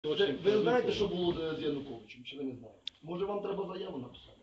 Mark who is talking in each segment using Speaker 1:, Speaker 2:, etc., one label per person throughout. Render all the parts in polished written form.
Speaker 1: Ви знаєте, що було з Януковичем, чи ви не знаєте? Може вам треба заяву написати?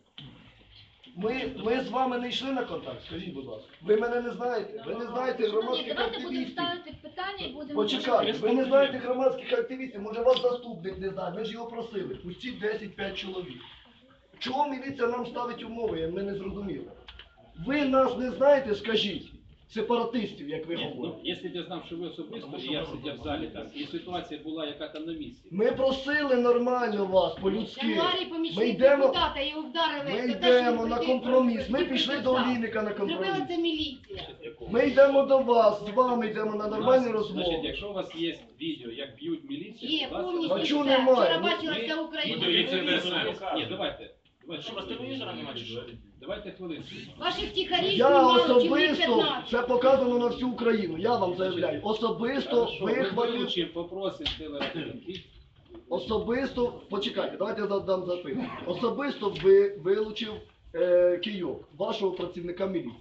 Speaker 1: Ми з вами не йшли на контакт, скажіть, будь ласка. Ви мене не знаєте? Ви не знаєте громадських
Speaker 2: Давайте будемо
Speaker 1: активістів?
Speaker 2: ставити питання і будемо...
Speaker 1: Почекайте, ви не знаєте громадських активістів, може вас заступник не знає, ми ж його просили, пустіть 10-5 чоловік. Чого міліція нам ставить умови, ми не зрозуміли. Ви нас не знаєте, скажіть, сепаратистів, як ви
Speaker 3: Ні,
Speaker 1: говорите.
Speaker 3: ну, якщо ти знав, що ви особисто, і я сидів в залі там, і ситуація була, яка там на місці.
Speaker 1: Ми просили нормально вас,
Speaker 2: В
Speaker 1: по-людськи.
Speaker 2: януарі
Speaker 1: Ми
Speaker 2: помічник
Speaker 1: йдемо,
Speaker 2: депутата, його вдарили.
Speaker 1: ми
Speaker 2: за те, що
Speaker 1: йдемо
Speaker 2: він
Speaker 1: на
Speaker 2: прийти
Speaker 1: компроміс. Ми
Speaker 2: і
Speaker 1: пішли до
Speaker 2: підписав.
Speaker 1: Олійника на
Speaker 2: Зробила
Speaker 1: компроміс.
Speaker 2: це міліція.
Speaker 1: Ми йдемо до вас, з вами йдемо на нормальні
Speaker 3: Значить,
Speaker 1: розмови.
Speaker 3: якщо у вас є відео, як б'ють міліцію,
Speaker 2: Є,
Speaker 3: будь ласка,
Speaker 2: повністю
Speaker 1: А чого
Speaker 2: все.
Speaker 1: немає?
Speaker 2: Вчора
Speaker 1: Ну,
Speaker 2: бачила
Speaker 3: ми-
Speaker 2: вся Україна.
Speaker 3: Ні, давайте.
Speaker 4: Що, у вас телевізора немає чи що?
Speaker 3: Давайте хвилинку.
Speaker 2: Ваших тихарів
Speaker 1: Я
Speaker 2: знімали чоловік
Speaker 1: особисто,
Speaker 2: 15.
Speaker 1: це показано на всю Україну, я вам заявляю. Особисто вихватив,
Speaker 3: Вилучив, попросив телерадіо.
Speaker 1: особисто, почекайте, давайте я задам запитання. Особисто вилучив кийок, вашого працівника міліції.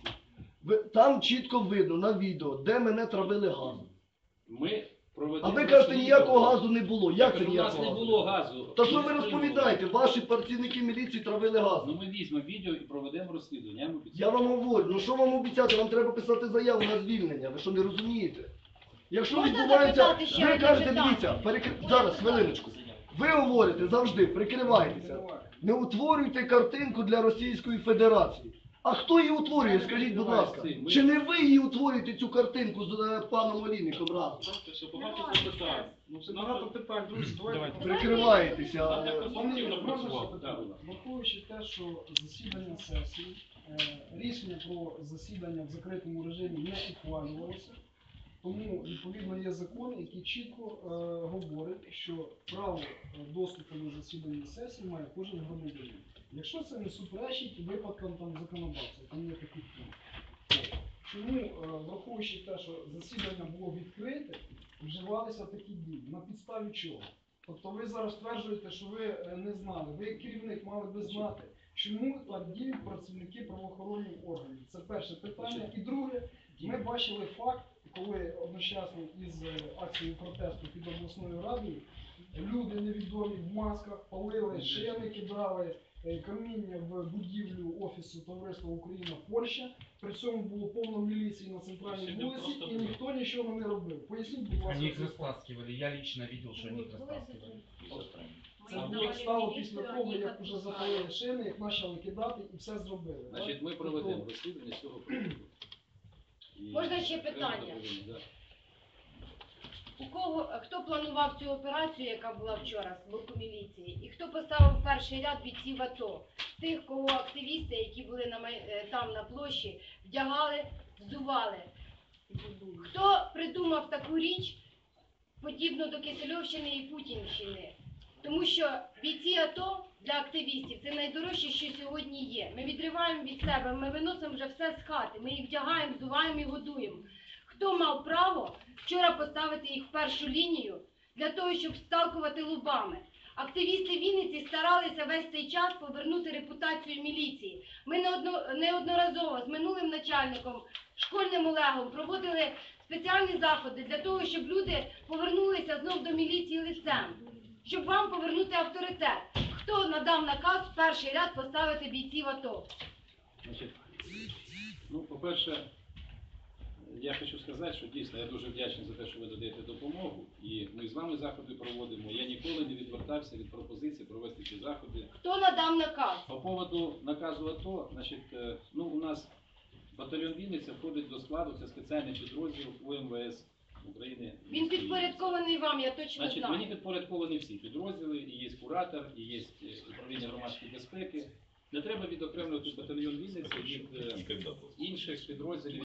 Speaker 1: Там чітко видно на відео, де мене травили газом.
Speaker 3: Ми проведемо...
Speaker 1: А ви кажете, ніякого газу не було. Як це
Speaker 3: У нас
Speaker 1: ніякого
Speaker 3: не
Speaker 1: газу?
Speaker 3: було газу.
Speaker 1: Та що
Speaker 3: Ми
Speaker 1: ви
Speaker 3: не
Speaker 1: розповідаєте? Ваші працівники міліції травили газом.
Speaker 3: Ну ми візьмемо відео і проведемо розслідування. Я вам обіцяю.
Speaker 1: Я вам говорю, ну що вам обіцяти? Вам треба писати заяву на звільнення. Ви що не розумієте? Якщо
Speaker 2: Можна
Speaker 1: відбувається,
Speaker 2: запитати ще
Speaker 1: ви
Speaker 2: одне
Speaker 1: кажете,
Speaker 2: питання?
Speaker 1: дивіться, зараз, хвилиночку. Ви говорите завжди, прикривайтеся. Не утворюйте картинку для Російської Федерації. А хто її утворює, скажіть, будь ласка? Чи не ви її утворюєте, цю картинку з паном Олійником разом?
Speaker 4: Багато запитань. Ну, це багато питань, друзі, давайте.
Speaker 1: Прикриваєтеся.
Speaker 4: Пане, можна ще
Speaker 3: Так,
Speaker 4: питання?
Speaker 3: будь ласка.
Speaker 4: Враховуючи те, що засідання сесії, рішення про засідання в закритому режимі не ухвалювалося, тому, відповідно, є закон, який чітко говорить, що право доступу на засідання сесії має кожен громадянин. Якщо це не суперечить випадкам там законодавця, там є такий пункт. Тому, враховуючи те, що засідання було відкрите, вживалися такі дії. На підставі чого? Тобто ви зараз стверджуєте, що ви не знали, ви як керівник мали би знати, чому так діють працівники правоохоронних органів. Це перше питання. І друге, ми бачили факт, коли одночасно із акцією протесту під обласною радою люди невідомі в масках палили шини, кидали каміння в будівлю Офісу Товариства Україна-Польща. При цьому було повно міліції на центральній вулиці і ніхто нічого не робив. Поясніть, будь ласка.
Speaker 5: Они их
Speaker 4: цей факт.
Speaker 5: растаскивали, я лично видел, что они их растаскивали.
Speaker 4: Це було стало після того, як вже запалили шини, як почали кидати і все зробили. так?
Speaker 3: Значить, ми проведемо розслідування з цього приводу. І
Speaker 2: Можна ще
Speaker 3: окремо
Speaker 2: питання?
Speaker 3: доповімо, да.
Speaker 2: Хто планував цю операцію, яка була вчора з боку міліції? І хто поставив перший ряд бійців АТО? Тих, кого активісти, які були там на площі, вдягали, взували. Хто придумав таку річ, подібну до Кисельовщини і Путінщини? Тому що бійці АТО для активістів це найдорожче, що сьогодні є. Ми відриваємо від себе, ми виносимо вже все з хати, ми їх вдягаємо, взуваємо і годуємо. Хто мав право вчора поставити їх в першу лінію для того, щоб сталкувати лобами? Активісти Вінниці старалися весь цей час повернути репутацію міліції. Ми неодноразово з минулим начальником, школьним Олегом, проводили спеціальні заходи для того, щоб люди повернулися знов до міліції лицем, щоб вам повернути авторитет. Хто надав наказ в перший ряд поставити бійців АТО?
Speaker 3: Значить, ну, по-перше, я хочу сказати, що дійсно я дуже вдячний за те, що ви додаєте допомогу. І ми з вами заходи проводимо. Я ніколи не відвертався від пропозиції провести ці заходи.
Speaker 2: Хто надав наказ?
Speaker 3: По поводу наказу АТО, значить, ну, у нас батальйон Вінниця входить до складу, це спеціальний підрозділ УМВС України.
Speaker 2: Він підпорядкований вам, я точно
Speaker 3: Значить,
Speaker 2: знаю.
Speaker 3: мені підпорядковані всі підрозділи, і є куратор, і є управління громадської безпеки. Не треба відокремлювати батальйон Вінниці від інших підрозділів.